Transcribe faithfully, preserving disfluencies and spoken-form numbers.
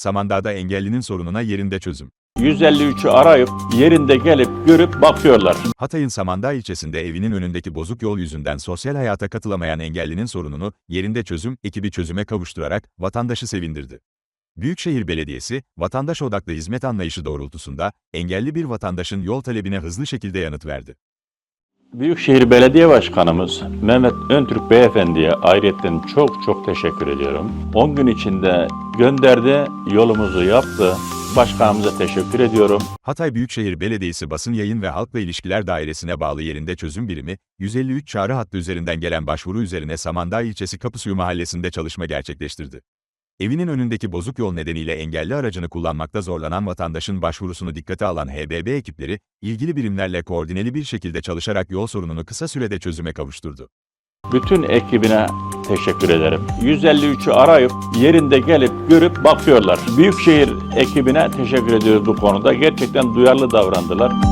Samandağ'da engellinin sorununa yerinde çözüm. yüz elli üçü arayıp yerinde gelip görüp bakıyorlar. Hatay'ın Samandağ ilçesinde evinin önündeki bozuk yol yüzünden sosyal hayata katılamayan engellinin sorununu yerinde çözüm ekibi çözüme kavuşturarak vatandaşı sevindirdi. Büyükşehir Belediyesi, vatandaş odaklı hizmet anlayışı doğrultusunda engelli bir vatandaşın yol talebine hızlı şekilde yanıt verdi. Büyükşehir Belediye Başkanımız Mehmet Öntürk Beyefendi'ye ayrıca çok çok teşekkür ediyorum. on gün içinde gönderdi, yolumuzu yaptı. Başkanımıza teşekkür ediyorum. Hatay Büyükşehir Belediyesi Basın Yayın ve Halkla İlişkiler Dairesi'ne bağlı yerinde çözüm birimi, yüz elli üç çağrı hattı üzerinden gelen başvuru üzerine Samandağ ilçesi Kapısuyu mahallesinde çalışma gerçekleştirdi. Evinin önündeki bozuk yol nedeniyle engelli aracını kullanmakta zorlanan vatandaşın başvurusunu dikkate alan H B B ekipleri, ilgili birimlerle koordineli bir şekilde çalışarak yol sorununu kısa sürede çözüme kavuşturdu. Bütün ekibine teşekkür ederim. yüz elli üçü arayıp yerinde gelip görüp bakıyorlar. Büyükşehir ekibine teşekkür ediyoruz bu konuda. Gerçekten duyarlı davrandılar.